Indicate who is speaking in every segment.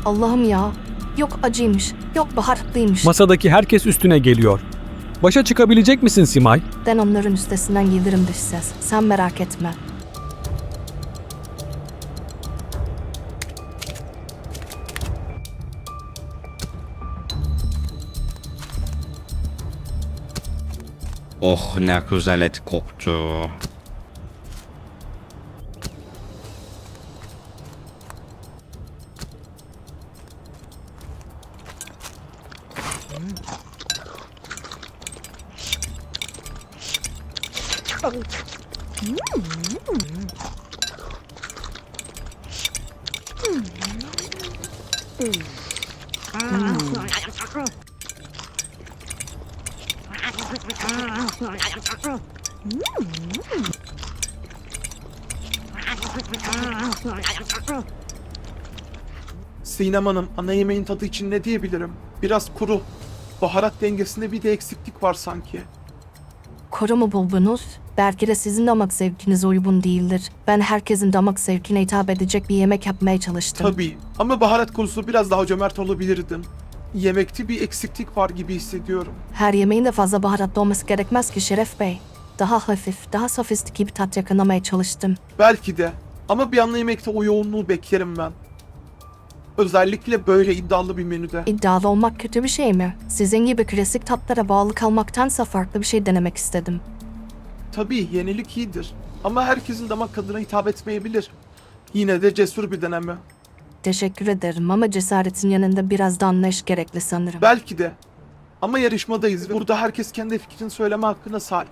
Speaker 1: Allah'ım ya. Yok acıymış, yok baharatlıymış.
Speaker 2: Masadaki herkes üstüne geliyor. Başa çıkabilecek misin Simay?
Speaker 1: Ben onların üstesinden gelirim dış ses. Sen merak etme.
Speaker 3: Oh ne güzel et koktu.
Speaker 4: Sinem Hanım, ana yemeğin tadı için ne diyebilirim? Biraz kuru. Baharat dengesinde bir de eksiklik var sanki.
Speaker 1: Kuru mu buldunuz? Belki de sizin damak zevkinize uygun değildir. Ben herkesin damak zevkine hitap edecek bir yemek yapmaya çalıştım.
Speaker 4: Tabii ama baharat konusunda biraz daha cömert olabilirdim. Yemekte bir eksiklik var gibi hissediyorum.
Speaker 1: Her yemeğin de fazla baharatlı olması gerekmez ki Şeref Bey. Daha hafif, daha sofistike bir tat yakalamaya çalıştım.
Speaker 4: Belki de. Ama bir ana yemekte o yoğunluğu beklerim ben. Özellikle böyle iddialı bir menüde.
Speaker 1: İddialı olmak kötü bir şey mi? Sizin gibi klasik tatlara bağlı kalmaktansa farklı bir şey denemek istedim.
Speaker 4: Tabii yenilik iyidir. Ama herkesin damak tadına hitap etmeyebilir. Yine de cesur bir deneme.
Speaker 1: Teşekkür ederim ama cesaretin yanında biraz da anlayış gerekli sanırım.
Speaker 4: Belki de. Ama yarışmadayız ve burada herkes kendi fikrini söyleme hakkına sahip.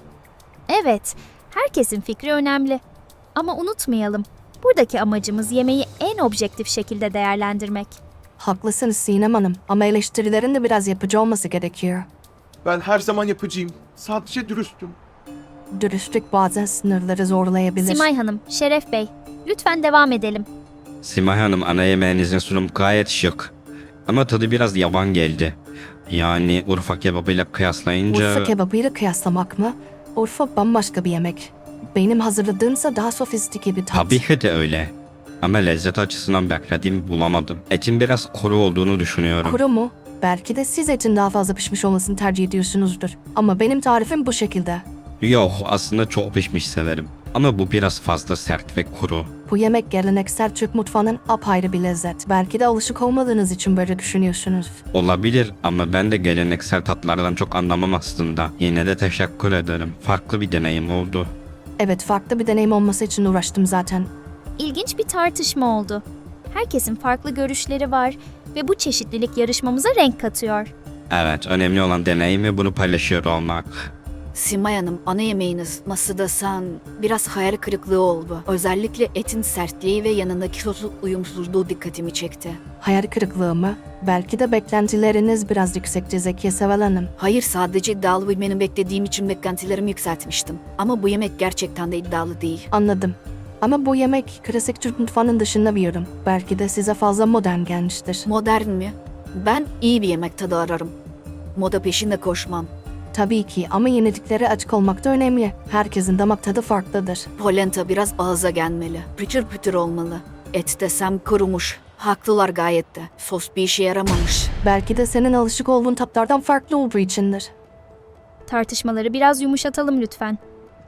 Speaker 5: Evet, herkesin fikri önemli. Ama unutmayalım, buradaki amacımız yemeği en objektif şekilde değerlendirmek.
Speaker 1: Haklısınız Sinem Hanım ama eleştirilerin de biraz yapıcı olması gerekiyor.
Speaker 4: Ben her zaman yapıcıyım. Sadece dürüstüm.
Speaker 1: Dürüstlük bazen sınırları zorlayabilir.
Speaker 5: Simay Hanım, Şeref Bey, lütfen devam edelim.
Speaker 3: Simay Hanım, ana yemeğinizin sunum gayet şık. Ama tadı biraz yavan geldi. Yani Urfa kebabıyla kıyaslayınca...
Speaker 1: Urfa kebabıyla kıyaslamak mı? Urfa bambaşka bir yemek. Benim hazırladığımsa daha sofistike bir tat.
Speaker 3: Tabii ki de öyle. Ama lezzet açısından beklediğimi bulamadım. Etin biraz kuru olduğunu düşünüyorum.
Speaker 1: Kuru mu? Belki de siz etin daha fazla pişmiş olmasını tercih ediyorsunuzdur. Ama benim tarifim bu şekilde.
Speaker 3: Yok, aslında çok pişmiş severim. Ama bu biraz fazla sert ve kuru.
Speaker 1: Bu yemek geleneksel Türk mutfağının apayrı bir lezzet. Belki de alışık olmadığınız için böyle düşünüyorsunuz.
Speaker 3: Olabilir ama ben de geleneksel tatlardan çok anlamam aslında. Yine de teşekkür ederim. Farklı bir deneyim oldu.
Speaker 1: Evet, farklı bir deneyim olması için uğraştım zaten.
Speaker 5: İlginç bir tartışma oldu. Herkesin farklı görüşleri var ve bu çeşitlilik yarışmamıza renk katıyor.
Speaker 3: Evet, önemli olan deneyim ve bunu paylaşıyor olmak.
Speaker 6: Simay Hanım, ana yemeğiniz masada biraz hayal kırıklığı oldu. Özellikle etin sertliği ve yanındaki sosun uyumsuzluğu dikkatimi çekti.
Speaker 1: Hayal kırıklığı mı? Belki de beklentileriniz biraz yüksekti Zekiye Seval Hanım.
Speaker 6: Hayır, sadece iddialı bir menü beklediğim için beklentilerimi yükseltmiştim. Ama bu yemek gerçekten de iddialı değil.
Speaker 1: Anladım. Ama bu yemek klasik Türk mutfağının dışında bir yorum. Belki de size fazla modern gelmiştir.
Speaker 6: Modern mi? Ben iyi bir yemek tadı ararım. Moda peşinde koşmam.
Speaker 1: Tabii ki ama yeniliklere açık olmak da önemli. Herkesin damak tadı farklıdır.
Speaker 6: Polenta biraz ağza gelmeli. Pütür pütür olmalı. Et desem kurumuş. Haklılar gayet de. Sos bir işe yaramamış.
Speaker 1: Belki de senin alışık olduğun tatlardan farklı olduğu içindir.
Speaker 5: Tartışmaları biraz yumuşatalım lütfen.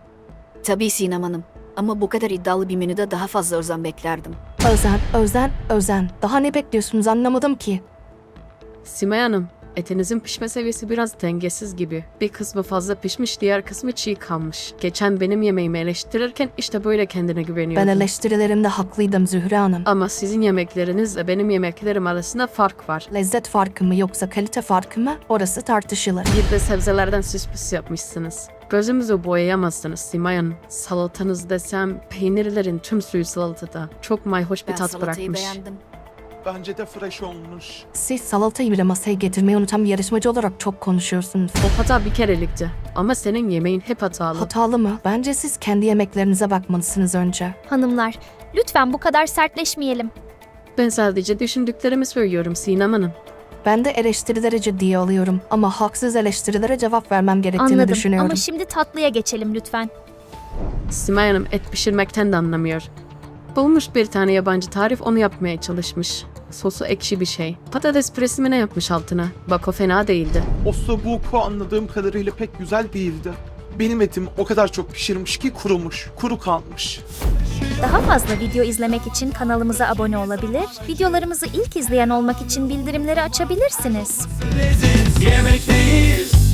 Speaker 6: Tabii Sinem Hanım. Ama bu kadar iddialı bir menüde daha fazla özen beklerdim.
Speaker 1: Özen. Daha ne bekliyorsunuz anlamadım ki.
Speaker 7: Simay Hanım, etinizin pişme seviyesi biraz dengesiz gibi. Bir kısmı fazla pişmiş, diğer kısmı çiğ kalmış. Geçen benim yemeğimi eleştirirken işte böyle kendine güveniyordun.
Speaker 1: Ben eleştirilerimde haklıydım Zühre Hanım.
Speaker 7: Ama sizin yemeklerinizle benim yemeklerim arasında fark var.
Speaker 1: Lezzet farkı mı yoksa kalite farkı mı? Orası tartışılır.
Speaker 7: Bir de sebzelerden süs püs yapmışsınız. Gözümüzü boyayamazsınız Simay Hanım. Salatanız desem peynirlerin tüm suyu salatada. Çok mayhoş bir
Speaker 6: Ben
Speaker 7: tat
Speaker 6: salatayı
Speaker 7: bırakmış.
Speaker 6: beğendim.
Speaker 4: Bence de fresh olmuş.
Speaker 1: Siz salatayı bile masaya getirmeyi unutan bir yarışmacı olarak çok konuşuyorsunuz.
Speaker 7: O hata bir kerelikti. Ama senin yemeğin hep hatalı.
Speaker 1: Hatalı mı? Bence siz kendi yemeklerinize bakmalısınız önce.
Speaker 5: Hanımlar, lütfen bu kadar sertleşmeyelim.
Speaker 7: Ben sadece düşündüklerimi söylüyorum Sinem Hanım.
Speaker 1: Ben de eleştirileri ciddiye alıyorum ama haksız eleştirilere cevap vermem gerektiğini
Speaker 5: Anladım
Speaker 1: düşünüyorum.
Speaker 5: ama şimdi tatlıya geçelim lütfen.
Speaker 7: Simay Hanım et pişirmekten de anlamıyor. Bulmuş bir tane yabancı tarif, onu yapmaya çalışmış. Sosu ekşi bir şey. Patates püresi mi ne yapmış altına? Bak o fena değildi.
Speaker 4: Ossobuco anladığım kadarıyla pek güzel değildi. Benim etim o kadar çok pişirmiş ki kurumuş, kuru kalmış.
Speaker 5: Daha fazla video izlemek için kanalımıza abone olabilir, videolarımızı ilk izleyen olmak için bildirimleri açabilirsiniz.
Speaker 8: Yemekteyiz.